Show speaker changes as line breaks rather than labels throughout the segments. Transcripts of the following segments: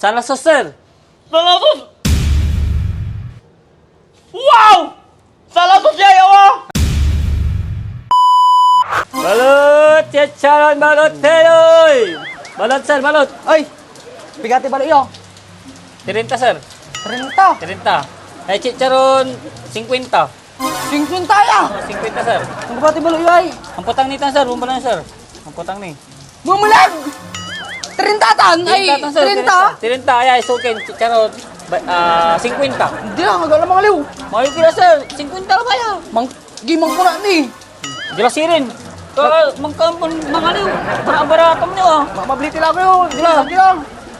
Salasos, sir.
Salasos! Wow! Salasos siya, yawa!
Balot, chicharon, balot, teloy. Balot, sir, balot.
Ay, bigati balik yo.
30, sir.
30.
30. Ay, chicharon, 50.
50 ya.
50, sir.
Ang bati balik yo ay.
Ang putang nito, sir. Bumbalan, sir. Ang putang ni.
Bumulag. 30 tan ay 30.
30, ay, sukin, chicharon, 50.
Hindi lang agak lamang aliw.
Mayo kila, sir. 50 lang kaya.
Mang gimang ko na ni.
Jelasin. Mangkampon, mangaliw. Bara-baratam niyo, ah.
Mabili tila ko yo. Hindi lang.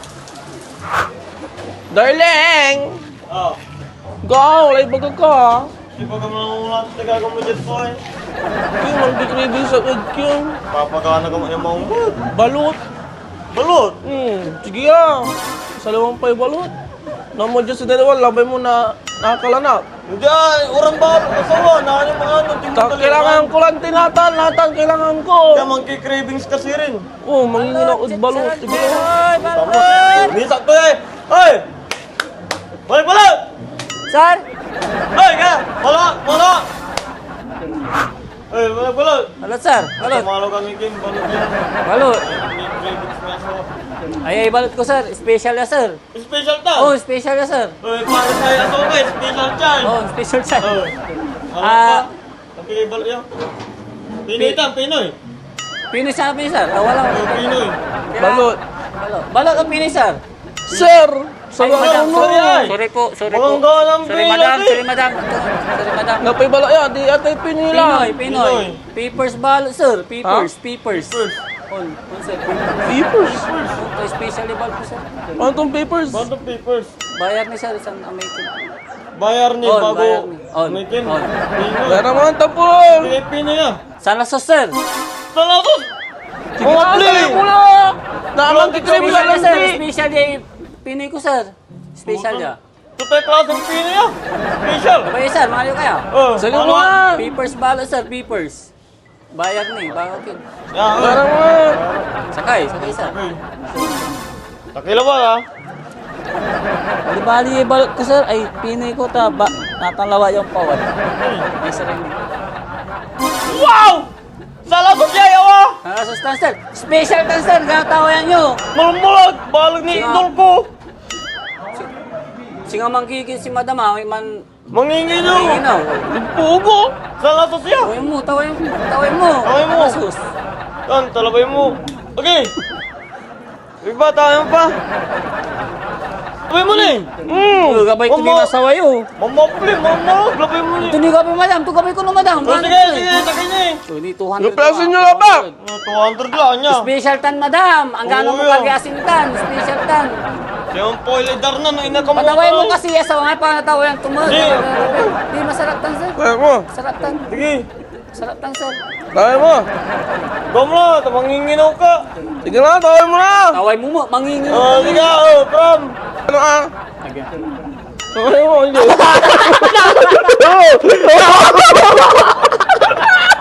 Darling!
Oh,
Go! Lay baga ka!
di ba ka manungulat sa gagawin mo dyan po eh?
Yung magdikribig sa udkyong.
Papagana ka mo yung maunggod.
Balot!
Balot!
Sige ah! Salawang pa'y balot. Namo dyan sa dalawa, labay mo na nakalanap.
Hindi ay, urang ba? Asawa, naan yung mga anong tingnan
Kailangan ko lang tinatan, kailangan ko.
Kaya mangki-cravings kasi rin.
Oh, mangingin ako ud balot. Sige.
Ay,
Tama.
balot.
Nisak ko eh! Ay! Balik balot!
Sir.
Ay, ka! Balot! Balot! Ay, balik balot!
Balot, sir. Balot.
Tumalo kami game, balot yan.
Balot.
May cravings na asawa.
Ay, balot ko, sir. Special ya, sir.
Special ta!
Oh, special ya, sir.
Ay, para sa'yo asawa ka, special charge!
Oh, special sir.
Oh.
Ah.
Okay, balot yan. Pinoy tan, Pinoy.
Pinoy sabi, sir. Wala ko.
Pinoy.
Balot.
Balot. Balot ang Pinoy, sir.
Sir!
Ay,
Sabi
madam,
mo!
sorry, ay.
Sorry po, sorry po.
Bongga ng
Sorry,
Pinoy,
madam.
eh.
Sorry, madam. Sorry, madam.
Napay balot yan, di atay pinila.
Pinoy, Pinoy. Papers balot, sir. Papers, papers.
Papers.
On, sir.
Papers?
Oh, specially balot po, sir.
Ano tong papers?
Bond of papers.
Bayar ni sir, isang American.
Bayar ni
On,
bago.
bayar ni. On,
Mekin.
on.
Pinoy.
Kaya naman tapon!
Pilipino yan.
Salasos, sir.
Salasos!
Sige
Mga
na,
pli!
sabi mo na! Naamang kikribig
Special
lang
ya, sir.
di!
Special ya. Pinoy ko, sir. Special ya.
Tutay klaseng Pino yan. Special.
Abay, sir. Mahal kayo.
Oh,
Sige
ano?
mo nga!
Papers balot, sir. Papers. Bayar ni. Bakit yun?
Yan,
Kaya naman!
Sakay, sir.
Takila ba ha?
Di bali balot ko, sir. Ay, Pinoy ko ta. Natalawa yung pawad. Ay, sir.
Wow! Salasos siya yawa!
Salasos tan, sir. Special tan, sir. Gatawayan nyo.
Malumulag! Balag ni
Sige.
idol ko!
Singa manggigil si madam, ha. May man...
Manginginaw!
Inginaw.
Pugo! Salasos siya!
Tawain mo, tawain mo. Tawain mo.
Tawain mo.
Salasos.
Yan, talabay mo. Okay! Iba, tayo pa! Labay mo ni!
Gabay ko din nasawa yun.
Mamapli, mamapli! Labay mo ni!
Ito ni gabi, madam. Ito gabi ko na, madam.
Oh, sige, sige, sakay niya eh!
So, ni 200.
Replasin nyo na ba?
200 lang niya!
Special tan, madam. Ang gano'n mo
Oo, yan.
kagasin tan. Special tan.
Yung poilidar na, no, inakamuta.
Pataway mo kasi sa mga panatawayan tumulog.
Di.
Di, masarap tan, sir.
Kaya mo!
Sarap tan.
Sige,
Sarap tan, sir.
Kaya mo!
gawin mo na, manginginaw ka.
Sige na, tawin mo na!
Taway mo mo, mangingin.
Oh, sige, oh, prom.
Ano ah? Tawin mo, hindi.